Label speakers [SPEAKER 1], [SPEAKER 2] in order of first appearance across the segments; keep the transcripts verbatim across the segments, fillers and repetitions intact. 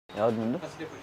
[SPEAKER 1] ಯಾವ್ದು ನಿಮ್ಮದು?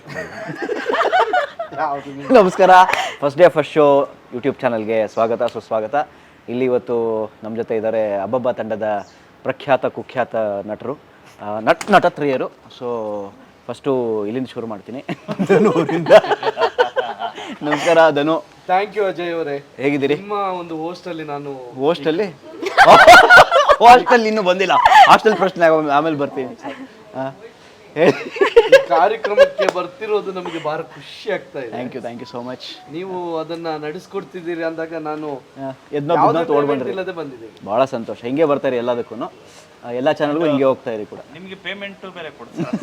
[SPEAKER 1] ನಮಸ್ಕಾರ, first day first show YouTube ಚಾನಲ್ಗೆ ಸ್ವಾಗತ ಸುಸ್ವಾಗತ. ಇಲ್ಲಿ ಇವತ್ತು ನಮ್ಮ ಜೊತೆ ಇದ್ದಾರೆ ಅಬ್ಬಬ್ಬ ತಂಡದ ಪ್ರಖ್ಯಾತ ಕುಖ್ಯಾತ ನಟರು, ನಟ್ ನಟತ್ರಿಯರು. ಸೊ ಫಸ್ಟು ಇಲ್ಲಿಂದ ಶುರು ಮಾಡ್ತೀನಿ. ಧನುರಿಂದ ನಮಸ್ಕಾರ ಧನು.
[SPEAKER 2] ಥ್ಯಾಂಕ್ ಯು ಅಜಯ್ ಅವರೇ,
[SPEAKER 1] ಹೇಗಿದ್ದೀರಿ?
[SPEAKER 2] ನಿಮ್ಮ ಒಂದು ಹೋಸ್ಟಲ್ಲಿ ನಾನು
[SPEAKER 1] ಹೋಸ್ಟಲ್ಲಿ ಹಾಸ್ಟೆಲ್ ಇನ್ನೂ ಬಂದಿಲ್ಲ. ಹಾಸ್ಟೆಲ್ ಪ್ರಶ್ನೆ ಆಮೇಲೆ ಬರ್ತೀನಿ. ಹಾಂ
[SPEAKER 2] ಕಾರ್ಯಕ್ರಮಕ್ಕೆ ಬರ್ತಿರೋದು ನಮಗೆ ಬಹಳ ಖುಷಿ ಆಗ್ತಾ ಇದೆ.
[SPEAKER 1] Thank you thank you so much.
[SPEAKER 2] ನೀವು ಅದನ್ನ ನಡೆಸ್ಕೊಡ್ತಿದ್ದೀರಿ ಅಂದಾಗ ನಾನು
[SPEAKER 1] ಎದ್ನ ತೋಡ್ಬಂದ್ರಿ,
[SPEAKER 2] ಇಲ್ಲದೆ ಬಂದಿದ್ದೇನೆ.
[SPEAKER 1] ಭಾಳ ಸಂತೋಷ. ಹಿಂಗೆ ಬರ್ತಾರೆ ಎಲ್ಲದಕ್ಕೂ, ಎಲ್ಲ ಚಾನಲ್ಗೂ ಹಿಂಗೆ ಹೋಗ್ತಾ ಇರಿ ಕೂಡ.
[SPEAKER 3] ನಿಮಗೆ ಪೇಮೆಂಟು ಬೇರೆ ಕೊಡ್ತಾರೆ.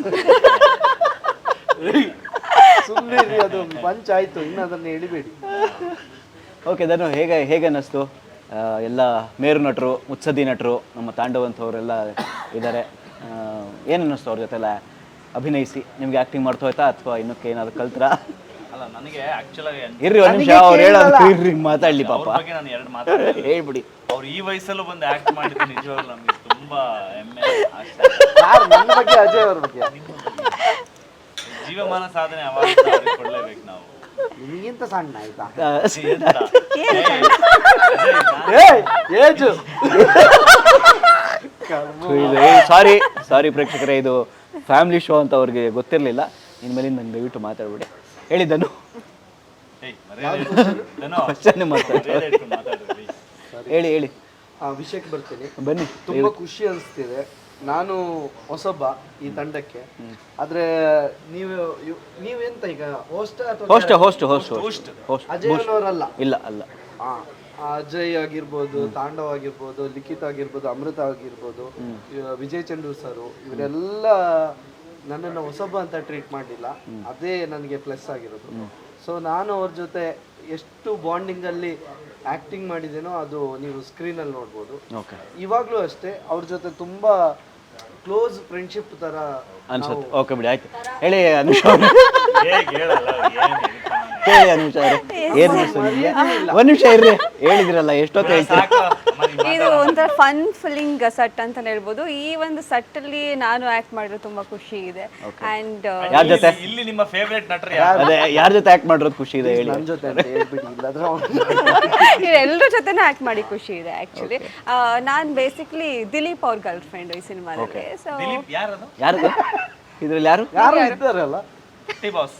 [SPEAKER 2] ಸುಮ್ಮನೆ ಅದು ಪಂಚ್ ಆಯ್ತು, ಇನ್ನು ಅದನ್ನು ಎಳಿಬೇಡಿ.
[SPEAKER 1] ಓಕೆ ಧನು, ಹೇಗೆ ಹೇಗೆ ಅನ್ನಿಸ್ತು? ಎಲ್ಲ ಮೇರು ನಟರು, ಮುತ್ಸದ್ದಿ ನಟರು, ನಮ್ಮ ತಾಂಡವಂಥವರೆಲ್ಲ ಇದ್ದಾರೆ. ಏನು ಅನ್ನಿಸ್ತು ಅವ್ರ ಜೊತೆಲ್ಲ ಅಭಿನಯಿಸಿ? ನಿಮ್ಗೆ ಆ್ಯಕ್ಟಿಂಗ್ ಮಾಡ್ತಾ ಹೋಯ್ತಾ ಅಥವಾ ಇನ್ನಕ್ಕೆ ಏನಾದ್ರು ಕಲ್ತ್ರಾ?
[SPEAKER 3] ಅಲ್ಲ, ನನಗೆ ಆಕ್ಚುಲಾಗಿ
[SPEAKER 1] ಇರ್ರಿ ಒಂದು ನಿಮಿಷ, ಅವ್ರು ಹೇಳೋದು ಇರ್ರಿ ಮಾತಾಡಲಿ ಪಾಪ.
[SPEAKER 3] ಬಗ್ಗೆ ನಾನು ಎರಡು ಮಾತಾಡಿ
[SPEAKER 1] ಹೇಳ್ಬಿಡಿ.
[SPEAKER 3] ಅವ್ರು ಈ ವಯಸ್ಸಲ್ಲೂ ಬಂದು ಆಕ್ಟ್ ಮಾಡಿದ್ದು ನಿಜವಾಗ್ಲೂ ನಮಗೆ ತುಂಬಾ ಹೆಮ್ಮೆ.
[SPEAKER 2] ಯಾರು ನನ್ನ ಬಗ್ಗೆ? ಅಜಯ್ ಅವ್ರ ಬಗ್ಗೆ.
[SPEAKER 3] ಜೀವಮಾನ ಸಾಧನೆ ಅವಾಗ ಕೊಡ್ಲೇಬೇಕು ನಾವು.
[SPEAKER 2] ನಿಮಗಿಂತ ಸಣ್ಣ ಆಯ್ತಾ? ಏಜು
[SPEAKER 1] ಸಾರಿ ಸಾರಿ ಪ್ರೇಕ್ಷಕರೇ, ಇದು ಫ್ಯಾಮಿಲಿ ಶೋ ಅಂತ ಅವ್ರಿಗೆ ಗೊತ್ತಿರಲಿಲ್ಲ. ಇನ್ಮೇಲಿಂದ ನಂಗೆ ದಯವಿಟ್ಟು ಮಾತಾಡ್ಬಿಡಿ. ಹೇಳಿದ್ದನು ಹೇಳಿ ಹೇಳಿ
[SPEAKER 2] ಆ ವಿಷಯಕ್ಕೆ ಬರ್ತೀನಿ.
[SPEAKER 1] ಬನ್ನಿ.
[SPEAKER 2] ತುಂಬಾ ಖುಷಿ ಅನಿಸ್ತಿದೆ. ನಾನು ಹೊಸಬ ಈ ತಂಡಕ್ಕೆ, ಆದ್ರೆ ನೀವು ನೀವೆಂತ ಈಗ host
[SPEAKER 1] host host host host
[SPEAKER 2] Ajay ಅವರಲ್ಲ?
[SPEAKER 1] ಇಲ್ಲ ಅಲ್ಲ.
[SPEAKER 2] ಆ, ಅಜಯ್ ಆಗಿರ್ಬೋದು, ತಾಂಡವ್ ಆಗಿರ್ಬೋದು, ಲಿಖಿತ್ ಆಗಿರ್ಬೋದು, ಅಮೃತ ಆಗಿರ್ಬೋದು, ವಿಜಯ್ ಚಂದ್ರ ಸರ್, ಇವರೆಲ್ಲ ನನ್ನನ್ನು ಹೊಸಬ ಅಂತ ಟ್ರೀಟ್ ಮಾಡಲಿಲ್ಲ. ಅದೇ ನನಗೆ ಪ್ಲಸ್ ಆಗಿರೋದು. ಸೊ ನಾನು ಅವ್ರ ಜೊತೆ ಎಷ್ಟು ಬಾಂಡಿಂಗ್ ಅಲ್ಲಿ ಆಕ್ಟಿಂಗ್ ಮಾಡಿದ್ದೇನೋ ಅದು ನೀವು ಸ್ಕ್ರೀನ್ ಅಲ್ಲಿ ನೋಡ್ಬೋದು. ಇವಾಗ್ಲೂ ಅಷ್ಟೇ ಅವ್ರ ಜೊತೆ ತುಂಬಾ ಕ್ಲೋಸ್ ಫ್ರೆಂಡ್ಶಿಪ್ ತರ
[SPEAKER 1] ಅನ್ಸುತ್ತೆ. ಓಕೆ ಬಿಡಿ, ಆಯ್ತು. ಹೇಳಿ ಅನುಷ ಹೇಳಿ ಅನುಷ ಏನು ಒಂದ್ ನಿಮಿಷ ಇರ್ರಿ. ಹೇಳಿದ್ರಲ್ಲ ಎಷ್ಟೊತ್ತು ಹೇಳ್ತೀರಾ?
[SPEAKER 4] ಇದು ಒಂಥರ ಫನ್ ಫಿಲ್ಲಿಂಗ್ ಸಟ್ ಅಂತ ಹೇಳ್ಬೋದು. ಈ ಒಂದು ಸಟ್ ಅಲ್ಲಿ ನಾನು ಆಕ್ಟ್ ಮಾಡಿರೋ ತುಂಬಾ ಖುಷಿ ಇದೆ. ಅಂಡ್
[SPEAKER 1] ಯಾರ ಜೊತೆ?
[SPEAKER 3] ಇಲ್ಲಿ ನಿಮ್ಮ ಫೇವರೇಟ್ ನಟರು
[SPEAKER 1] ಅದೇ ಯಾರ ಜೊತೆ ಆಕ್ಟ್ ಮಾಡಿರೋದು ಖುಷಿ ಇದೆ ಹೇಳಿ.
[SPEAKER 2] ನನ್ನ ಜೊತೆ ಅಂತ ಹೇಳ್ಬಿಡಿ, ಇಲ್ಲಾಂದ್ರೆ
[SPEAKER 4] ಎಲ್ಲರ ಜೊತೆನೂ ಆಕ್ಟ್ ಮಾಡಿ ಖುಷಿ ಇದೆ. ಆಕ್ಚುಲಿ ನಾನ್ ಬೇಸಿಕ್ಲಿ ದಿಲೀಪ್ ಅವ್ರ ಗರ್ಲ್ ಫ್ರೆಂಡ್ ಈ ಸಿನಿಮಾದಲ್ಲಿ. ಸೊ
[SPEAKER 3] ಯಾರದು?
[SPEAKER 1] ಯಾರು ಇದ್ರಲ್ಲಿ? ಯಾರು
[SPEAKER 2] ಯಾರು ಇದ್ದಾರಲ್ಲ?
[SPEAKER 3] T boss.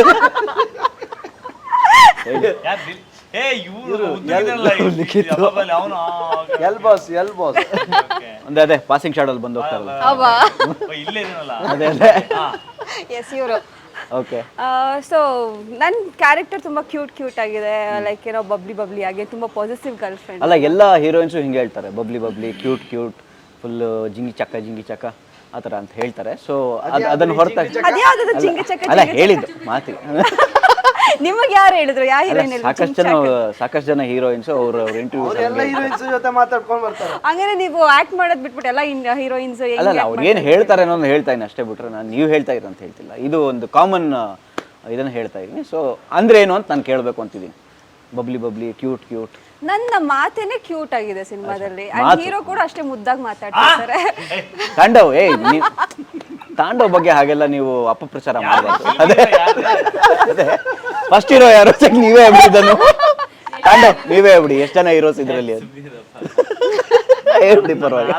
[SPEAKER 3] ಏ ಇವರು ಅವನು
[SPEAKER 2] ಎಲ್ ಬಾಸ್ ಎಲ್ ಬಾಸ್
[SPEAKER 1] ಒಂದೇ ಅದೇ ಪಾಸಿಂಗ್ ಶಾಡಲ್ಲಿ ಬಂದು ಹೋಗ್ತಾರಲ್ಲ,
[SPEAKER 4] ಅವಾ
[SPEAKER 3] ಇಲ್ಲೇ ಇದೀನಲ್ಲ.
[SPEAKER 1] ಅದೇ ಅದೇ
[SPEAKER 4] ಎಸ್ ಇವರು.
[SPEAKER 1] ಓಕೆ.
[SPEAKER 4] ಸೊ ನನ್ನ ಕ್ಯಾರೆಕ್ಟರ್ ತುಂಬಾ ಕ್ಯೂಟ್ ಕ್ಯೂಟ್ ಆಗಿದೆ. ಲೈಕ್ ಏನೋ ಬಬ್ಲಿ ಬಬ್ಲಿ ಆಗಿ ತುಂಬಾ ಪಾಸಿಟಿವ್ ಗರ್ಲ್ ಫ್ರೆಂಡ್.
[SPEAKER 1] ಅಲ್ಲ, ಎಲ್ಲ ಹೀರೋಯಿನ್ಸು ಹಿಂಗೆ ಹೇಳ್ತಾರೆ, bubbly bubbly, cute cute, full ಜಿಂಗಿ ಚಕ್ಕ ಜಿಂಗಿ ಚಕ್ಕ ಆ ಥರ ಅಂತ ಹೇಳ್ತಾರೆ. ಸೊ ಅದನ್ನು ಹೊರತಾಗಿ
[SPEAKER 4] ಅದ್ಯಾವ್ದು ಜಿಂಗಿ ಚಕ್ಕ?
[SPEAKER 1] ಅಲ್ಲ, ಹೇಳಿದ್ದು ಮಾತಿಗೆ.
[SPEAKER 4] ನಿಮಗೆ ಯಾರು ಹೇಳಿದ್ರು? ಯಾವ ಹೀರೋಯಿನ್?
[SPEAKER 1] ಸಾಕಷ್ಟು ಜನ ಸಾಕಷ್ಟು ಜನ ಹೀರೋಯಿನ್ಸ್ ಅವರು ಅವ್ರ ಇಂಟರ್ವ್ಯೂ
[SPEAKER 2] ಎಲ್ಲ ಹೀರೋಯಿನ್ಸ್ ಜೊತೆ ಮಾತಾಡ್ಕೊಂಡು ಬರ್ತಾರೆ.
[SPEAKER 4] ಹಂಗಾರೆ ನೀವು ಆಕ್ಟ್ ಮಾಡೋದು ಬಿಟ್ಬಿಟ್ಟು ಎಲ್ಲ ಹೀರೋಯಿನ್ಸ್
[SPEAKER 1] ಅಲ್ಲ ಅಲ್ಲ, ಅವ್ರು ಏನು ಹೇಳ್ತಾರೆ ಅನ್ನೋದು ಹೇಳ್ತಾ ಇದ್ದೀನಿ ಅಷ್ಟೇ, ಬಿಟ್ರೆ ನಾನು ನೀವು ಹೇಳ್ತಾ ಇರೋ ಅಂತ ಹೇಳ್ತಿಲ್ಲ. ಇದು ಒಂದು ಕಾಮನ್ ಇದನ್ನು ಹೇಳ್ತಾ ಇದ್ದೀನಿ. ಸೊ ಅಂದ್ರೆ ಏನು ಅಂತ ನಾನು ಕೇಳಬೇಕು ಅಂತಿದ್ದೀನಿ. Bubbly bubbly, cute cute.
[SPEAKER 4] ನನ್ನ ಮಾತೇನೆ ಕ್ಯೂಟ್ ಆಗಿದೆ ಸಿನಿಮಾದಲ್ಲಿ. ಹೀರೋ ಕೂಡ ಅಷ್ಟೇ ಮುದ್ದಾಗಿ ಮಾತಾಡ್ತಾರೆ.
[SPEAKER 1] ತಾಂಡವ್, ಏಯ್ ತಾಂಡವ್ ಬಗ್ಗೆ ಹಾಗೆಲ್ಲ ನೀವು ಅಪಪ್ರಚಾರ ಮಾಡಬಾರ್ದು. ಅದೇ ಅದೇ ಫಸ್ಟ್ ಹೀರೋ ಯಾರು ನೀವೇ ಹೇಳ್ಬಿಟ್ಟಿದ್ದನು. ತಾಂಡವ್ ನೀವೇ ಹೇಳ್ಬಿಡಿ, ಎಷ್ಟು ಜನ ಹೀರೋಸ್ ಇದರಲ್ಲಿ ಅದು ಹೇಳ್ಬಿಡಿ, ಪರವಾಗಿ.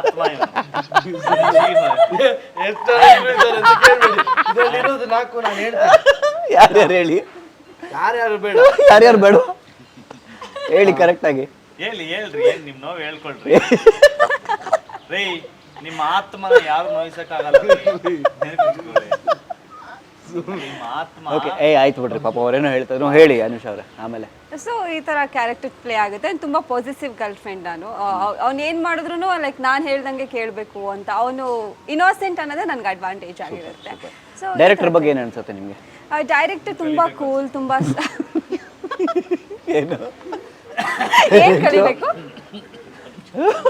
[SPEAKER 2] ನಾಲ್ಕು ನಾನು ಹೇಳ್ತೀನಿ,
[SPEAKER 1] ಯಾರ್ಯಾರು ಹೇಳಿ,
[SPEAKER 2] ಯಾರ್ಯಾರು ಬೇಡ,
[SPEAKER 1] ಯಾರ್ಯಾರು ಬೇಡ ಹೇಳಿ ಕರೆಕ್ಟಾಗಿ
[SPEAKER 3] ಹೇಳಿ. ಹೇಳ್ರಿ, ಏನ್ ನಿಮ್ ನೋವು ಹೇಳ್ಕೊಳ್ರಿ. ರೇ, ನಿಮ್ಮ ಆತ್ಮನ ಯಾರು ನೋಯಿಸಕ್ಕಾಗಲ್ಲ. ನಿಮ್ಮ ಆತ್ಮ.
[SPEAKER 1] ಓಕೆ, ಏ ಆಯ್ತು ಬಿಡ್ರಿ, ಪಾಪ ಅವ್ರೇನೋ ಹೇಳ್ತಾರೆ. ಹೇಳಿ ಅನುಷ್ ಅವ್ರೆ ಆಮೇಲೆ.
[SPEAKER 4] ಸೊ ಈ ತರ ಕ್ಯಾರೆಕ್ಟರ್ ಪ್ಲೇ ಆಗುತ್ತೆ. ತುಂಬಾ ಪಾಸಿಟಿವ್ ಗರ್ಲ್ ಫ್ರೆಂಡ್ ನಾನು. ಅವ್ನು ಏನ್ ಮಾಡಿದ್ರು ಲೈಕ್ ನಾನು ಹೇಳ್ದಂಗೆ ಕೇಳಬೇಕು ಅಂತ. ಅವನು ಇನ್ನೋಸೆಂಟ್ ಅನ್ನೋದೇ ನನ್ಗೆ ಅಡ್ವಾಂಟೇಜ್ ಆಗಿರುತ್ತೆ. ಸೊ
[SPEAKER 1] ಡೈರೆಕ್ಟರ್ ಬಗ್ಗೆ ಏನು ಅನ್ಸುತ್ತೆ ನಿಮಗೆ?
[SPEAKER 4] ಡೈರೆಕ್ಟರ್ ತುಂಬಾ ಕೂಲ್, ತುಂಬಾ
[SPEAKER 1] ಏನು
[SPEAKER 4] ಏನ್ ಕಲಿಬೇಕು?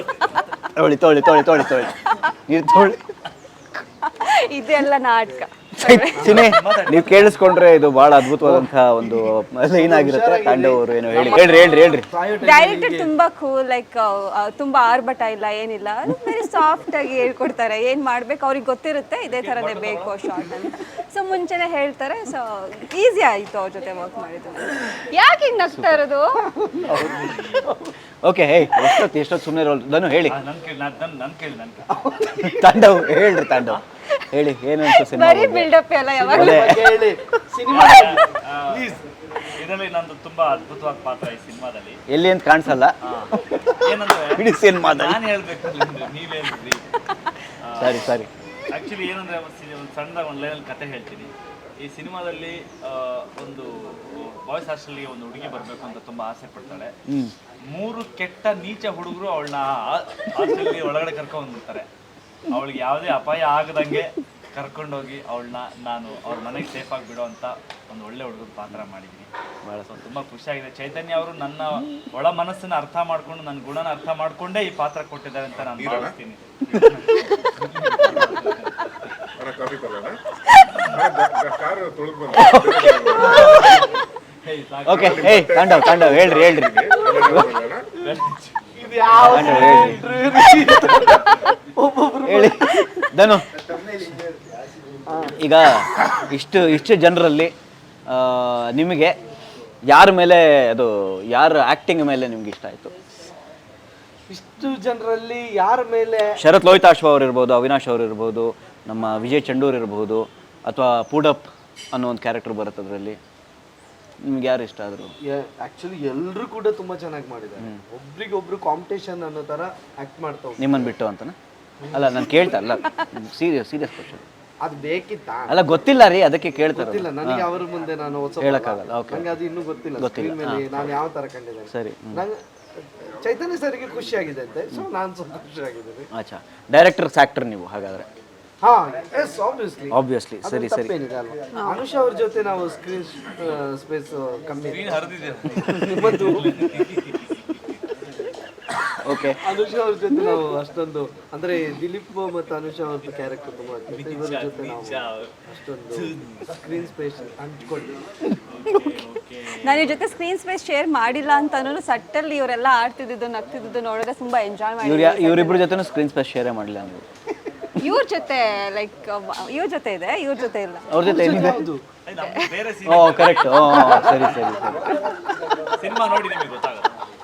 [SPEAKER 1] ತೊಳಿ ತೊಳಿ ತೊಳಿ ತೊಳಿ ತೊಳಿ ನೀವು ತೊಳಿ.
[SPEAKER 4] ಇದೆಲ್ಲ ನಾಟಕ.
[SPEAKER 1] ಸಿನಿ ನೀವು ಕೇಳಿಸ್ಕೊಂಡ್ರೆ ಇದು ಬಹಳ ಅದ್ಭುತವಾದಂತಹ ಒಂದು ಲೈನ್ ಆಗಿರುತ್ತೆ. ತಾಂಡವ್ ಅವರು ಏನೋ ಹೇಳಿ ಹೇಳ್ರಿ ಹೇಳ್ರಿ ಹೇಳ್ರಿ
[SPEAKER 4] ಡೈರೆಕ್ಟರ್ ತುಂಬಾ ಕೂಲ್, ಲೈಕ್ ತುಂಬಾ ಆರ್ಭಟ ಇಲ್ಲ, ಏನಿಲ್ಲ, ವೆರಿ ಸಾಫ್ಟ್ ಆಗಿ ಹೇಳ್ಕೊಡ್ತಾರೆ. ಏನ್ ಮಾಡ್ಬೇಕು ಅವ್ರಿಗೆ ಗೊತ್ತಿರುತ್ತೆ, ಇದೇ ತರನೇ ಬೇಕು ಶಾರ್ಟ್ ಅಂತ. ಸೊ ಮುಂಚೆನೆ ಹೇಳ್ತಾರೆ. ಸೊ ಈಸಿ ಆಯ್ತು ಅವ್ರ ಜೊತೆ ವರ್ಕ್ ಮಾಡಿದ್ದು. ಯಾಕೆ ಹಿಂಗ್ ನಗ್ತಾ ಇರೋದು?
[SPEAKER 1] ಓಕೆ ಹೇ ಎಷ್ಟೊತ್ತು ಎಷ್ಟೊತ್ತು ಸುಮ್ಮನೆ ರೋಲ್ ಧನು ಹೇಳಿ.
[SPEAKER 3] ನನ್ ಕೇಳಿ ನನ್ ನನ್ ಕೇಳಿ ನನ್ ಕೇಳಿ
[SPEAKER 1] ತಾಂಡವ್ ಹೇಳ್ರಿ ತಾಂಡವ್ ಹೇಳಿ ಏನು ಅನ್ಸು ಸಿನಿಮಾ
[SPEAKER 4] ಬರೀ ಬಿಲ್ಡಪ್ ಎಲ್ಲ ಯಾವಾಗ
[SPEAKER 2] ಹೇಳಿ ಸಿನಿಮಾ ಪ್ಲೀಸ್.
[SPEAKER 3] ಇದರಲ್ಲಿ ನಂದು ತುಂಬಾ ಅದ್ಭುತವಾದ ಪಾತ್ರ ಈ ಸಿನಿಮಾದಲ್ಲಿ.
[SPEAKER 1] ಎಲ್ಲಿ ಅಂತ ಕಾಣಿಸಲ್ಲ
[SPEAKER 3] ಏನಂದ್ರೆ
[SPEAKER 1] ಇಡೀ ಸಿನಿಮಾದಲ್ಲಿ.
[SPEAKER 3] ನಾನು ಹೇಳ್ಬೇಕು ನೀವ್ ಹೇಳಿದ್ರಿ.
[SPEAKER 1] ಸರಿ ಸರಿ
[SPEAKER 3] ಆಕ್ಚುಲಿ ಏನಂದ್ರೆ ಒಂದು ಸಣ್ಣದಾಗ ಒಂದು ಲೈನಲ್ಲಿ ಕತೆ ಹೇಳ್ತೀನಿ. ಈ ಸಿನಿಮಾದಲ್ಲಿ ಒಂದು ಬಾಯ್ಸ್ ಹಾಸ್ಟೆಲ್ಗೆ ಒಂದು ಹುಡುಗಿ ಬರಬೇಕು ಅಂತ ತುಂಬಾ ಆಸೆ ಪಡ್ತಾಳೆ. ಮೂರು ಕೆಟ್ಟ ನೀಚ ಹುಡುಗರು ಅವಳನ್ನ ಹಾಸ್ಟೆಲ್ಗೆ ಒಳಗಡೆ ಕರ್ಕೊಂಡು ಬರ್ತಾರೆ. ಅವಳಿಗೆ ಯಾವುದೇ ಅಪಾಯ ಆಗದಂಗೆ ಕರ್ಕೊಂಡೋಗಿ ಅವಳನ್ನ ನಾನು ಅವ್ರ ಮನೆಗೆ ಸೇಫ್ ಆಗಿ ಬಿಡೋ ಅಂತ ಒಂದು ಒಳ್ಳೆ ಹುಡುಗನ ಪಾತ್ರ ಮಾಡಿದ್ದೀನಿ. ಭಾಳ ಸೊ ತುಂಬ ಖುಷಿಯಾಗಿದೆ. ಚೈತನ್ಯ ಅವರು ನನ್ನ ಒಳ ಮನಸ್ಸನ್ನ ಅರ್ಥ ಮಾಡ್ಕೊಂಡು ನನ್ನ ಗುಣನ ಅರ್ಥ ಮಾಡ್ಕೊಂಡೇ ಈ ಪಾತ್ರ ಕೊಟ್ಟಿದ್ದಾರೆ ಅಂತ ನಾನು ಭಾವಿಸ್ತೀನಿ.
[SPEAKER 1] ಓಕೆ ಹೇ ತಾಂಡವ್ ತಾಂಡವ್ ಹೇಳ್ರಿ ಹೇಳ್ರಿ ಹೇಳಿ ಧನು. ಈಗ ಇಷ್ಟು ಇಷ್ಟು ಜನರಲ್ಲಿ ನಿಮಗೆ ಯಾರ ಮೇಲೆ ಅದು ಯಾರ ಆಕ್ಟಿಂಗ್ ಮೇಲೆ ನಿಮ್ಗೆ ಇಷ್ಟ ಆಯ್ತು?
[SPEAKER 2] ಇಷ್ಟು ಜನರಲ್ಲಿ ಯಾರ ಮೇಲೆ?
[SPEAKER 1] ಶರತ್ ಲೋಹಿತಾಶ್ವ ಅವ್ರು ಇರ್ಬೋದು, ಅವಿನಾಶ್ ಅವ್ರು ಇರ್ಬೋದು, ನಮ್ಮ ವಿಜಯ್ ಚಂಡೂರ್ ಇರ್ಬೋದು, ಅಥವಾ ಪೂಡಪ್ ಅನ್ನೋ ಒಂದು ಕ್ಯಾರೆಕ್ಟರ್ ಬರುತ್ತೆ ಅದರಲ್ಲಿ. ನಿಮ್ಗೆ ಯಾರು ಇಷ್ಟ ಆದ್ರು?
[SPEAKER 2] ಆಕ್ಚುಲಿ ಎಲ್ಲರೂ ಕೂಡ ತುಂಬಾ ಚೆನ್ನಾಗಿ ಮಾಡಿದ್ದಾರೆ. ಒಬ್ರಿಗೊಬ್ರು ಕಾಂಪಿಟೇಷನ್ ಅನ್ನೋ ತರ ಆಕ್ಟ್ ಮಾಡ್ತಾ ಹೋಗ್ತಾರೆ.
[SPEAKER 1] ನಿಮ್ಮನ್ನು ಬಿಟ್ಟು ಅಂತನಾ? ಅಲ್ಲ ನಾನು ಕೇಳ್ತಾ ಅಲ್ಲ, ಸೀರಿಯಸ್ ಸೀರಿಯಸ್ ಕ್ವಶನ್.
[SPEAKER 2] ಅದು ಬೇಕಿತ್ತಾ?
[SPEAKER 1] ಅಲ್ಲ ಗೊತ್ತಿಲ್ಲ ರೀ, ಅದಕ್ಕೆ ಕೇಳ್ತಾರೆ.
[SPEAKER 2] ಗೊತ್ತಿಲ್ಲ ನನಗೆ ಅವ್ರ ಮುಂದೆ ನಾನು ಹೊಸ
[SPEAKER 1] ಹೇಳಕ್ಕಾಗಲ್ಲ. ಓಕೆ
[SPEAKER 2] ನಂಗೆ ಅದು ಇನ್ನೂ ಗೊತ್ತಿಲ್ಲ. ಸ್ಕ್ರೀನ್ ಮೇಲೆ ನಾನು ಯಾವ ತರ ಕಂಡಿದ್ದೇನೆ.
[SPEAKER 1] ಸರಿ
[SPEAKER 2] ನಂಗೆ ಚೈತನ್ಯ ಸರಿಗೆ ಖುಷಿ ಆಗಿದೆ ಅಂತೆ, ಸೊ ನಾನು ಸ್ವಲ್ಪ ಖುಷಿ ಆಗಿದ್ದೀನಿ.
[SPEAKER 1] ಅಚ್ಚಾ ಡೈರೆಕ್ಟರ್ಸ್ ಆಕ್ಟರ್ ನೀವು ಹಾಗಾದ್ರೆ?
[SPEAKER 2] ಹಾ ಎಸ್ ಆಬ್ವಿಯಸ್ಲಿ
[SPEAKER 1] ಆಬ್ವಿಯಸ್ಲಿ. ಸರಿ ಸರಿ
[SPEAKER 2] ಅನುಷಾ ಅವ್ರ ಜೊತೆ ನಾವು ಸ್ಕ್ರೀನ್ ಸ್ಪೇಸ್ ಕಮ್ಮಿ
[SPEAKER 3] ಹರಿದಿದೆ
[SPEAKER 2] ನಿಮ್ಮದು.
[SPEAKER 1] ಓಕೆ
[SPEAKER 2] ಅನುಷಾ ಅವ್ರ ಜೊತೆ ನಾವು ಅಷ್ಟೊಂದು ಅಂದ್ರೆ ದಿಲೀಪ್ ಮತ್ತು ಅನುಷಾ ಅವ್ರ ಕ್ಯಾರೆಕ್ಟರ್ ತುಂಬಾ ಆಗ್ತದೆ. ಇವರ ಜೊತೆ ನಾವು ಅಷ್ಟೊಂದು ಸ್ಕ್ರೀನ್ ಸ್ಪೇಸ್ ಹಂಚ್ಕೊಂಡಿದ್ದೀವಿ.
[SPEAKER 4] ನಾನು ಇವ್ರ ಜೊತೆ ಸ್ಕ್ರೀನ್ ಸ್ಪೇಸ್ ಶೇರ್ ಮಾಡಿಲ್ಲ ಅಂತಾನು ಸಟ್ಟಲ್ಲಿ ಇವರೆಲ್ಲ ಆಡ್ತಿದ್ದು ನಗ್ತಿದ್ದು ನೋಡಿದ್ರೆ ತುಂಬಾ ಎಂಜಾಯ್ ಮಾಡಿ.
[SPEAKER 1] ಇವ್ರ ಇವ್ರಿಬ್ರ ಜೊತೆನೂ ಸ್ಕ್ರೀನ್ ಸ್ಪೇಸ್ ಶೇರೇ ಮಾಡಲಿಲ್ಲ ನೀವು?
[SPEAKER 4] ಇವ್ರ ಜೊತೆ ಲೈಕ್ ಇವ್ರ ಜೊತೆ ಇದೆ, ಇವ್ರ ಜೊತೆ ಇಲ್ಲ.
[SPEAKER 1] ಅವ್ರ ಜೊತೆ ಏನಿದೆ?
[SPEAKER 3] ಬೇರೆ
[SPEAKER 1] ಓ ಕರೆಕ್ಟ್. ಓ ಸರಿ ಸರಿ ಸರಿ
[SPEAKER 3] ಸಿನಿಮಾ ನೋಡಿ ನಿಮಗೆ ಗೊತ್ತಾಗುತ್ತೆ.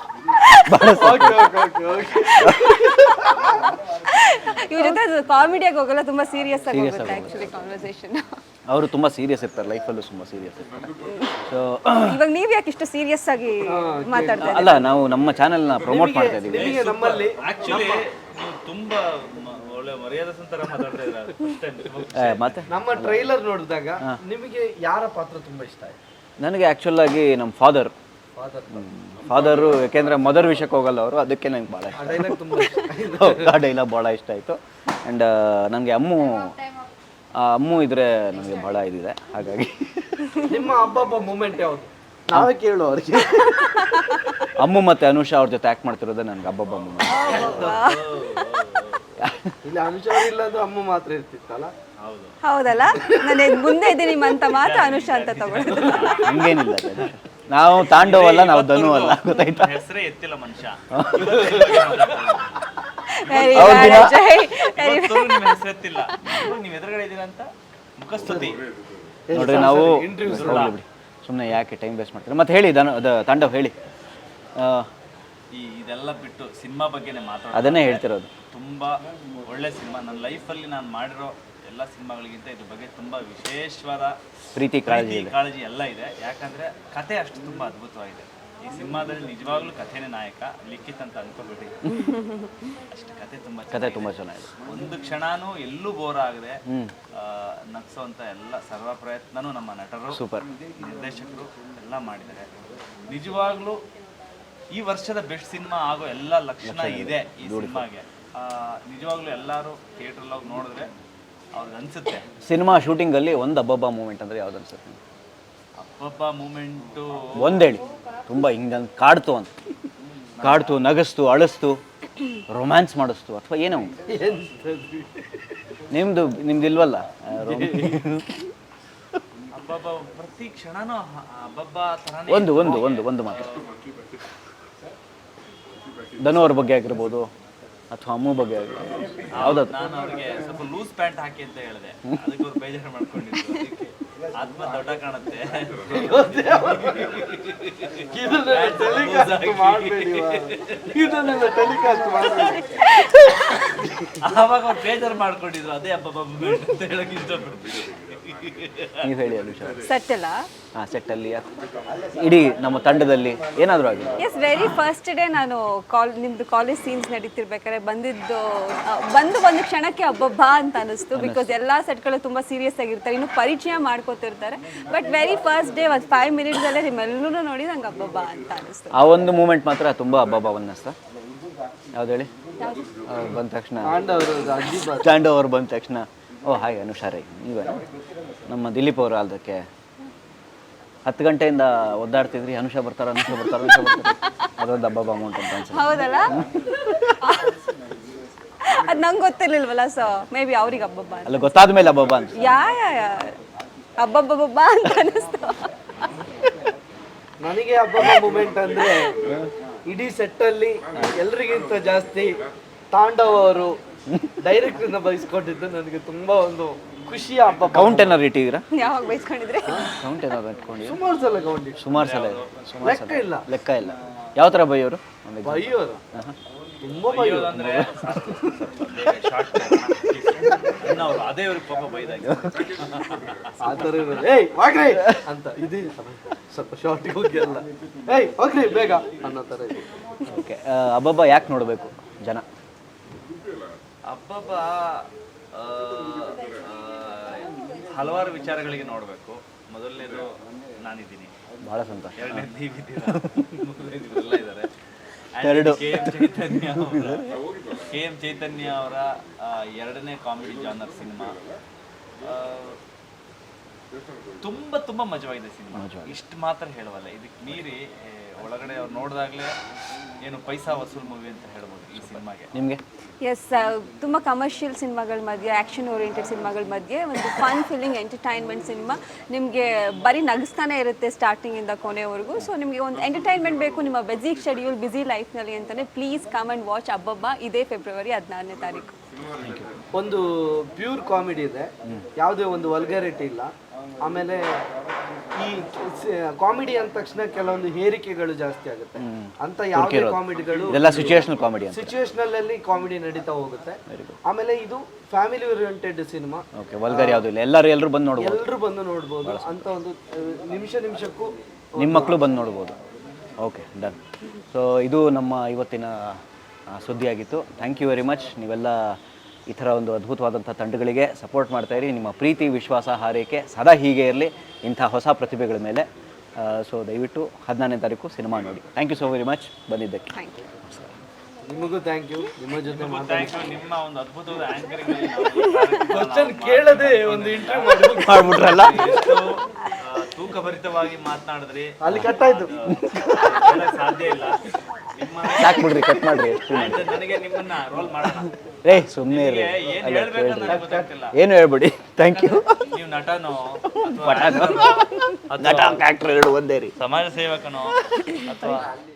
[SPEAKER 4] ಇವ್ರ ಜೊತೆ ಕಾಮಿಡಿಯಾಗಿ ಹೋಗಲ್ಲ, ತುಂಬಾ ಸೀರಿಯಸ್ ಆಗಿ ಹೋಗುತ್ತೆ ಆಕ್ಚುಲಿ ಕಾನ್ವರ್ಸೇಷನ್.
[SPEAKER 1] ಅವರು ತುಂಬಾ ಸೀರಿಯಸ್ ಇರ್ತಾರೆ, ಲೈಫಲ್ಲೂ ತುಂಬಾ ಸೀರಿಯಸ್ ಇರ್ತಾರೆ. ಸೊ
[SPEAKER 4] ಇವಾಗ ನೀವ್ ಯಾಕೆ ಇಷ್ಟು ಸೀರಿಯಸ್ ಆಗಿ ಮಾತಾಡ್ತಾ
[SPEAKER 1] ಅಲ್ಲ, ನಾವು ನಮ್ಮ ಚಾನೆಲ್ನ ಪ್ರಮೋಟ್ ಮಾಡ್ತಾ ಇದೀವಿ.
[SPEAKER 2] ನಿಮಗೆ ನಮ್ಮಲ್ಲಿ
[SPEAKER 3] ಆಕ್ಚುಲಿ ನೀವು ತುಂಬಾ ಮ- ಒಳ್ಳೆ ಮರ್ಯಾದೆ ಸಂತರ ಮಾತಾಡ್ತಾ ಇದ್ದಾರೆ.
[SPEAKER 1] ಮತ್ತೆ
[SPEAKER 2] ನಮ್ಮ ಟ್ರೈಲರ್ ನೋಡಿದಾಗ ನಿಮಗೆ ಯಾರ ಪಾತ್ರ ತುಂಬಾ ಇಷ್ಟ ಆಯ್ತು?
[SPEAKER 1] ನನಗೆ ಆ್ಯಕ್ಚುಲ್ ಆಗಿ ನಮ್ಮ ಫಾದರ್ ಫಾದರು, ಯಾಕೆಂದರೆ ಮದರ್ ವಿಷಯಕ್ಕೆ ಹೋಗಲ್ಲ ಅವರು, ಅದಕ್ಕೆ ನಂಗೆ ಭಾಳ ಇಷ್ಟ.
[SPEAKER 2] ಡೈಲಾಗ್ ತುಂಬಾ ಇಷ್ಟ ಆಯ್ತು.
[SPEAKER 1] ಆ ಡೈಲಾಗ್ ಭಾಳ ಇಷ್ಟ ಆಯಿತು. ಆ್ಯಂಡ್ ನನಗೆ ಅಮ್ಮು ಆ ಅಮ್ಮು ಇದ್ರೆ ನನಗೆ ಭಾಳ ಇದಿದೆ. ಹಾಗಾಗಿ
[SPEAKER 2] ನಿಮ್ಮ ಹಬ್ಬ ಮೂಮೆಂಟ್ ಯಾವುದು? ನಾವೇ ಕೇಳು ಅವ್ರಿಗೆ.
[SPEAKER 1] ಅಮ್ಮು ಮತ್ತು ಅನುಷಾ ಅವ್ರ ಜೊತೆ ಆ್ಯಕ್ಟ್ ಮಾಡ್ತಿರೋದೇ ನನಗೆ ಹಬ್ಬಬ್ಬ ಮೂಮೆಂಟ್.
[SPEAKER 2] ಇಲ್ಲಿ ಅನುಷಾ ಅವ್ರು ಇಲ್ಲ ಅಂದ್ರೆ ಅಮ್ಮ ಮಾತ್ರ ಇರ್ತಿತ್ತಲ್ಲ.
[SPEAKER 4] ಹೌದಲ್ಲ, ನಾನು ಮುಂದೆ ಇದ್ದೀನಿ ಅಂತ ಮಾತ್ರ ಅನುಷಾ ಅಂತ ತಗೊಳ್ಳೋದು.
[SPEAKER 1] ಹಂಗೇನಿಲ್ಲ, ನಾವು ತಾಂಡವ್ ಅಲ್ಲ, ನಾವು ಧನು ಅಲ್ಲ, ಗೊತ್ತಾಯ್ತಾ?
[SPEAKER 3] ಹೆಸರೇ ಎತ್ತಿಲ್ಲ ಮನುಷ್ಯ.
[SPEAKER 4] Very
[SPEAKER 1] ಅವ್ರ
[SPEAKER 4] bad,
[SPEAKER 1] ದಿನ-
[SPEAKER 4] ಅಜಯ್. Very
[SPEAKER 3] ಇವತ್ತು ನಿಮ್ಮ ಹೆಸರು ಎತ್ತಿಲ್ಲ, ನೀವು ಎದುರುಗಡೆ ಇದ್ದೀರಾ ಅಂತ ಮುಖಸ್ತುತಿ.
[SPEAKER 1] ನೋಡ್ರಿ ನಾವು ಹೋಗ್ಲಿ ಬಿಡಿ, ಸುಮ್ಮನೆ ಯಾಕೆ ಟೈಮ್ ವೇಸ್ಟ್ ಮಾಡ್ತೀರಾ? ಮತ್ತೆ ಹೇಳಿ ಧನು ಅದು ತಾಂಡವ್ ಹೇಳಿ. ಆ,
[SPEAKER 3] ಈ ಇದೆಲ್ಲ ಬಿಟ್ಟು ಸಿನಿಮಾ ಬಗ್ಗೆನೇ ಮಾತಾಡೋದು.
[SPEAKER 1] ಅದನ್ನೇ ಹೇಳ್ತಿರೋದು.
[SPEAKER 3] ತುಂಬಾ ಒಳ್ಳೆ ಸಿನಿಮಾ. ನನ್ನ ಲೈಫಲ್ಲಿ ನಾನು ಮಾಡಿರೋ ಎಲ್ಲ ಸಿನಿಮಾಗಳಿಗಿಂತ ಇದ್ರ ಬಗ್ಗೆ ತುಂಬಾ ವಿಶೇಷವಾದ
[SPEAKER 1] ಪ್ರೀತಿ ಕಾಳಜಿ ಇದೆ.
[SPEAKER 3] ಕಾಳಜಿ ಎಲ್ಲ ಇದೆ. ಯಾಕಂದ್ರೆ ಕತೆ ಅಷ್ಟು ತುಂಬಾ ಅದ್ಭುತವಾಗಿದೆ. ಈ ಸಿನಿಮಾದಲ್ಲಿ ನಿಜವಾಗ್ಲೂ ಕಥೆನೇ ನಾಯಕ, ಲಿಖಿತ್ ಅಂತ ಅನ್ಕೋಬೇಡಿ. ಅಷ್ಟು ಕತೆ ತುಂಬಾ
[SPEAKER 1] ಕತೆ ತುಂಬಾ ಚೆನ್ನಾಗಿದೆ.
[SPEAKER 3] ಒಂದು ಕ್ಷಣನೂ ಎಲ್ಲೂ ಬೋರ್ ಆಗದೆ ನಗ್ಸೋಂಥ ಎಲ್ಲ ಸರ್ವ ಪ್ರಯತ್ನನೂ ನಮ್ಮ ನಟರು,
[SPEAKER 1] ಸೂಪರ್
[SPEAKER 3] ನಿರ್ದೇಶಕರು ಎಲ್ಲ ಮಾಡಿದ್ದಾರೆ. ನಿಜವಾಗ್ಲೂ ಈ ವರ್ಷದ ಬೆಸ್ಟ್ ಸಿನಿಮಾ ಆಗೋ ಎಲ್ಲ ಲಕ್ಷಣ ಇದೆ ಈ ಸಿನಿಮಾಗೆ. ನಿಜವಾಗ್ಲೂ ಎಲ್ಲರೂ ಥಿಯೇಟ್ರಲ್ಲಿ ಹೋಗಿ ನೋಡಿದ್ರೆ ಅವ್ರಿಗೆ ಅನ್ಸುತ್ತೆ.
[SPEAKER 1] ಸಿನಿಮಾ ಶೂಟಿಂಗಲ್ಲಿ ಒಂದು ಹಬ್ಬಬ್ಬ ಮೂಮೆಂಟ್ ಅಂದರೆ ಯಾವ್ದು ಅನ್ಸುತ್ತೆ?
[SPEAKER 3] ಅಪ್ಪಪ್ಪ ಮೂಮೆಂಟು
[SPEAKER 1] ಒಂದೇಳಿ ತುಂಬ ಹಿಂಗೆ ಕಾಡ್ತು ಅಂತ, ಕಾಡ್ತು, ನಗಸ್ತು, ಅಳಿಸ್ತು, ರೊಮ್ಯಾನ್ಸ್ ಮಾಡಿಸ್ತು, ಅಥವಾ ಏನೋ ಒಂದು ನಿಮ್ದು ನಿಮ್ದು ಇಲ್ವಲ್ಲ
[SPEAKER 3] ಹಬ್ಬಬ್ಬ ಪ್ರತಿ ಕ್ಷಣನೂ ಹ- ಹಬ್ಬಬ್ಬ ತರಾನೇ
[SPEAKER 1] ಒಂದು ಒಂದು ಒಂದು ಒಂದು ಮಾತು ಧನು ಅವ್ರ ಬಗ್ಗೆ ಆಗಿರ್ಬೋದು ಅಥವಾ ಅಮ್ಮು ಬಗ್ಗೆ ಆಗಿರ್ಬೋದು ಯಾವ್ದಾದ್ರು
[SPEAKER 3] ನಾನು ಅವ್ರಿಗೆ ಸ್ವಲ್ಪ ಲೂಸ್ ಪ್ಯಾಂಟ್ ಹಾಕಿ ಅಂತ ಹೇಳಿದೆ ಅದಕ್ಕೆ ಅವ್ರು ಬೇಜಾರು ಮಾಡ್ಕೊಂಡಿದ್ರು ಅದಕ್ಕೆ ಆತ್ಮ ದೊಡ್ಡ ಕಾಣುತ್ತೆ
[SPEAKER 2] ಇದನ್ನೆಲ್ಲ ಟೆಲಿಕಾಸ್ಟ್ ಮಾಡಬೇಡಿ ಇದನ್ನೆಲ್ಲ ಟೆಲಿಕಾಸ್ಟ್ ಮಾಡಬೇಡಿ
[SPEAKER 3] ಆವಾಗ ಅವ್ರು ಬೇಜಾರು ಮಾಡ್ಕೊಂಡಿದ್ರು ಅದೇ ಹಬ್ಬ ಅಂತ ಹೇಳಕ್ ಇಷ್ಟಪಡ್ತೀನಿ
[SPEAKER 1] ನೀವು ಹೇಳಿ ಅನುಷಾ
[SPEAKER 4] ಸೆಟ್ ಅಲ್ಲ
[SPEAKER 1] ಹಾಂ ಸೆಟ್ಟಲ್ಲಿ ಇಡೀ ನಮ್ಮ ತಂಡದಲ್ಲಿ ಏನಾದರೂ ಆಗಿದೆ
[SPEAKER 4] ಎಸ್ ವೆರಿ ಫಸ್ಟ್ ಡೇ ನಾನು ಕಾಲ್ ನಿಮ್ದು ಕಾಲೇಜ್ ಸೀನ್ಸ್ ನಡೀತಿರ್ಬೇಕಾದ್ರೆ ಬಂದಿದ್ದು ಆ, ಬಂದು ಒಂದು ಕ್ಷಣಕ್ಕೆ ಹಬ್ಬಬ್ಬ ಅಂತ ಅನಿಸ್ತು ಬಿಕಾಸ್ ಎಲ್ಲ ಸೆಟ್ಗಳು ತುಂಬ ಸೀರಿಯಸ್ ಆಗಿರ್ತಾರೆ ಇನ್ನು ಪರಿಚಯ ಮಾಡ್ಕೋತಿರ್ತಾರೆ ಬಟ್ ವೆರಿ ಫಸ್ಟ್ ಡೇ ಒಂದು ಫೈವ್ ಮಿನಿಟ್ಸಲ್ಲೇ ನಿಮ್ಮೆಲ್ಲರೂ ನೋಡಿ ನಂಗೆ ಹಬ್ಬಬ್ಬ ಅಂತ ಅನಿಸ್ತು
[SPEAKER 1] ಆ ಒಂದು ಮೂಮೆಂಟ್ ಮಾತ್ರ ತುಂಬ ಹಬ್ಬ ಅನ್ನಿಸ್ತಾ ಯಾವ್ದು ಹೇಳಿ ಅವ್ರು ಬಂದ ತಕ್ಷಣ
[SPEAKER 2] ಪಾಂಡವರು ಅಜ್ಜಿಬಾತ್
[SPEAKER 1] ಸ್ಟ್ಯಾಂಡ್ ಓವರ್ ಬಂದ ತಕ್ಷಣ ಓ ಹಾಯ್ ಅನುಷಾ ರೈ ನೀವೇ ನಮ್ಮ ದಿಲೀಪ್ ಅವರು ಅದಕ್ಕೆ ಹತ್ತು ಗಂಟೆಯಿಂದ ಒದ್ದಾಡ್ತಿದ್ರಿ ಅನುಷಾ ಬರ್ತಾರ ಅನುಷಾ ಬರ್ತಾರ ಅನುಷಾ ಬರ್ತಾರೆ ಅದೊಂದು ಹಬ್ಬ ಅಮೌಂಟ್ ಅಂತ ಅನ್ಸುತ್ತೆ
[SPEAKER 4] ಹೌದಲ್ಲ ಅದು ನಂಗೆ ಗೊತ್ತಿರ್ಲಿಲ್ವಲ್ಲ ಸೊ ಮೇ ಬಿ ಅವ್ರಿಗೆ ಹಬ್ಬಬ್ಬ ಅಂತ
[SPEAKER 1] ಅಲ್ಲ ಗೊತ್ತಾದ ಮೇಲೆ ಹಬ್ಬ ಅಂತ
[SPEAKER 4] ಯಾ ಯಾ ಯಾ ಹಬ್ಬಬ್ಬಬ್ಬ ಅಂತ ಅನಿಸ್ತು
[SPEAKER 2] ನನಗೆ ಹಬ್ಬ ಮೂಮೆಂಟ್ ಅಂದ್ರೆ ಇಡೀ ಸೆಟ್ ಅಲ್ಲಿ ಎಲ್ರಿಗಿಂತ ಜಾಸ್ತಿ ತಾಂಡವ್ ಅವರು ಡೈರೆಕ್ಟ್ ಇಂದ ಬಯಸ್ಕೊಂಡಿದ್ದು ನನಗೆ ತುಂಬಾ ಒಂದು ಖುಷಿಯ ಹಬ್ಬ.
[SPEAKER 1] ಕೌಂಟ್ ಏನಾದ್ರು ಇಟ್ಟಿದ್ದೀರಾ
[SPEAKER 4] ಯಾವಾಗ ಬೈಸ್ಕೊಂಡಿದ್ರೆ
[SPEAKER 1] ಕೌಂಟ್ ಏನಾದ್ರು ಇಟ್ಕೊಂಡಿದ್ದೀರಾ
[SPEAKER 2] ಸುಮಾರು ಸಲ ಕೊಂಡಿದ್ದು
[SPEAKER 1] ಸುಮಾರು ಸಲ ಇದೆ ಸುಮಾರು
[SPEAKER 2] ಲೆಕ್ಕ
[SPEAKER 1] ಸಲ
[SPEAKER 2] ಇಲ್ಲ
[SPEAKER 1] ಲೆಕ್ಕ ಇಲ್ಲ ಯಾವ ಥರ ಬೈಯೋರು ಒಂದು
[SPEAKER 2] ಬೈಯೋರು ತುಂಬಾ ಬೈಯೋರು
[SPEAKER 3] ಅಂದ್ರೆ ಶಾರ್ಟ್ ಅವ್ರು ಅದೇ ಅವ್ರಿಗೆ ಪಾಪ ಬೈದಾಗ
[SPEAKER 2] ಆ ಥರ ಇರೋದು ಏಯ್ ಹೋಗ್ರಿ ಅಂತ ಇದೇ ಸ್ವಲ್ಪ ಶಾರ್ಟಿಗೆ ಹೋಗಿ ಅಲ್ಲ ಏಯ್ ಹೋಗ್ರಿ ಬೇಗ ಅನ್ನೋ ಥರ ಇದೆ.
[SPEAKER 1] ಓಕೆ ಹಬ್ಬಬ್ಬ ಯಾಕೆ ನೋಡಬೇಕು ಜನ
[SPEAKER 3] ಹಬ್ಬಬ್ಬ ಆ, ಆ, ಹಲವಾರು ವಿಚಾರಗಳಿಗೆ ನೋಡಬೇಕು. ಮೊದಲನೇದು ನಾನಿದ್ದೀನಿ,
[SPEAKER 1] ಭಾಳ ಸಂತೋಷ.
[SPEAKER 3] ಎರಡನೇದು ನೀವಿದ್ದೀರಾ, ಮೂರನೇದು ಇವರೆಲ್ಲ ಇದ್ದಾರೆ.
[SPEAKER 1] ಎರಡು.
[SPEAKER 3] ಕೆ ಎಂ ಚೈತನ್ಯ ಅವರ ಕೆ ಎಂ ಚೈತನ್ಯ ಅವರ ಆ, ಎರಡನೇ ಕಾಮಿಡಿ ಜಾನರ್ ಸಿನಿಮಾ ತುಂಬ ತುಂಬ ಮಜವಾಗಿದೆ ಸಿನಿಮಾ. ಇಷ್ಟು ಮಾತ್ರ ಹೇಳುವಲ್ಲ, ಇದಕ್ಕೆ ಮೀರಿ ಏ, ಒಳಗಡೆ ಅವ್ರು ನೋಡಿದಾಗಲೇ ಏನು ಪೈಸಾ ವಸೂಲ್ ಮೂವಿ ಅಂತ ಹೇಳ್ಬೋದು ಈ ಸಿನಿಮಾಗೆ.
[SPEAKER 1] ನಿಮಗೆ
[SPEAKER 4] ಎಸ್ ತುಂಬ ಕಮರ್ಷಿಯಲ್ ಸಿನಿಮಾಗಳ ಮಧ್ಯೆ ಆ್ಯಕ್ಷನ್ ಓರಿಯೆಂಟೆಡ್ ಸಿನಿಮಾಗಳ ಮಧ್ಯೆ ಒಂದು ಫನ್ ಫೀಲಿಂಗ್ ಎಂಟರ್ಟೈನ್ಮೆಂಟ್ ಸಿನಿಮಾ. ನಿಮಗೆ ಬರೀ ನಗಿಸ್ತಾನೆ ಇರುತ್ತೆ ಸ್ಟಾರ್ಟಿಂಗಿಂದ ಕೊನೆವರೆಗೂ. ಸೊ ನಿಮಗೆ ಒಂದು ಎಂಟರ್ಟೈನ್ಮೆಂಟ್ ಬೇಕು ನಿಮ್ಮ ಬ್ಯುಸಿ ಶೆಡ್ಯೂಲ್ ಬ್ಯುಸಿ ಲೈಫ್ನಲ್ಲಿ ಅಂತಲೇ ಪ್ಲೀಸ್ ಕಮ್ ಆ್ಯಂಡ್ ವಾಚ್ ಹಬ್ಬಬ್ಬ ಇದೇ ಫೆಬ್ರವರಿ ಹದಿನಾರನೇ ತಾರೀಕು.
[SPEAKER 2] ಒಂದು ಪ್ಯೂರ್ ಕಾಮಿಡಿ ಇದೆ, ಯಾವುದೇ ಒಂದು ವಲ್ಗರಿಟಿ ಇಲ್ಲ. ಆಮೇಲೆ ಈ ಕಾಮಿಡಿ ಅಂದ ತಕ್ಷಣ ಕೆಲವೊಂದು ಹೇರಿಕೆಗಳು ಜಾಸ್ತಿ ಆಗುತ್ತೆ ಅಂತ ಯಾವುದೇ ಕಾಮಿಡಿಗಳು
[SPEAKER 1] ಇದೆಲ್ಲ ಸಿಚುಯೇಷನಲ್ ಕಾಮಿಡಿ ಅಂತ.
[SPEAKER 2] ಸಿಚುಯೇಷನಲ್ ಅಲ್ಲಿ ಕಾಮಿಡಿ ನಡೀತಾ ಹೋಗುತ್ತೆ. ಆಮೇಲೆ ಇದು family oriented cinema.
[SPEAKER 1] Okay, vulgar ಯಾವುದು ಇಲ್ಲ, ಎಲ್ಲರೂ ಎಲ್ಲರೂ ಬಂದು ನೋಡ್ಬೋದು,
[SPEAKER 2] ಎಲ್ಲರೂ ಬಂದು ನೋಡ್ಬೋದು ಅಂತ ಒಂದು ಆ, ನಿಮಿಷ ನಿಮಿಷಕ್ಕೂ
[SPEAKER 1] ನಿಮ್ಮ ಮಕ್ಕಳು ಬಂದು ನೋಡ್ಬೋದು. Okay, done. ಸೊ ಇದು ನಮ್ಮ ಇವತ್ತಿನ ಆ, ಸುದ್ದಿಯಾಗಿತ್ತು. Thank you very much. ನೀವೆಲ್ಲ ಈ ಥರ ಒಂದು ಅದ್ಭುತವಾದಂಥ ತಂಡಗಳಿಗೆ ಸಪೋರ್ಟ್ ಮಾಡ್ತಾಯಿರಿ. ನಿಮ್ಮ ಪ್ರೀತಿ, ವಿಶ್ವಾಸ, ಹಾರೈಕೆ ಸದಾ ಹೀಗೆ ಇರಲಿ ಇಂಥ ಹೊಸ ಪ್ರತಿಭೆಗಳ ಮೇಲೆ. ಸೊ ದಯವಿಟ್ಟು ಹದಿನಾರನೇ ತಾರೀಕು ಸಿನಿಮಾ ನೋಡಿ. Thank you so very much ಬಂದಿದ್ದಕ್ಕೆ.
[SPEAKER 4] Thank you.
[SPEAKER 2] ನಿಮಗೂ ಥ್ಯಾಂಕ್ ಯು. ನಿಮ್ಮ ಜೊತೆ
[SPEAKER 3] ಥ್ಯಾಂಕ್ ಯು. ನಿಮ್ಮ ಒಂದು ಅದ್ಭುತವಾದ ಆಂಕರಿಂಗ್
[SPEAKER 2] ಕ್ವಶನ್ ಕೇಳದೆ ಒಂದು ಇಂಟರ್ವ್ಯೂ
[SPEAKER 1] ಮಾಡ್ಬಿಟ್ರಲ್ಲ.
[SPEAKER 3] ಎಷ್ಟು ಆ, ತೂಕಭರಿತವಾಗಿ ಮಾತನಾಡಿದ್ರಿ,
[SPEAKER 2] ಅಲ್ಲಿ ಕಟ್ಟಾಯ್ತು.
[SPEAKER 3] ಹೇಳಕ್ ಸಾಧ್ಯ ಇಲ್ಲ. ನಿಮ್ಮ
[SPEAKER 1] ಸಾಕು ಬಿಡ್ರಿ, ಕಟ್ ಮಾಡಿರಿ. ಎಷ್ಟು
[SPEAKER 3] ಆಯ್ತು, ನನಗೆ ನಿಮ್ಮನ್ನ ರೋಲ್ ಮಾಡೋಣ.
[SPEAKER 1] ರೇ ಸುಮ್ಮನೆ ಇರಿ,
[SPEAKER 3] ಏನ್ ಹೇಳ್ಬೇಕಂತ ನನಗೆ ಗೊತ್ತಾಗ್ತಿಲ್ಲ.
[SPEAKER 1] ಏನು ಹೇಳ್ಬಿಡಿ. Thank you.
[SPEAKER 3] ನೀವು ನಟನೋ
[SPEAKER 1] ನಟ ಆಕ್ಟರ್ ಎರಡು ಒಂದೇ ರೀ.
[SPEAKER 3] ಸಮಾಜ ಸೇವಕನೋ ಅಥವಾ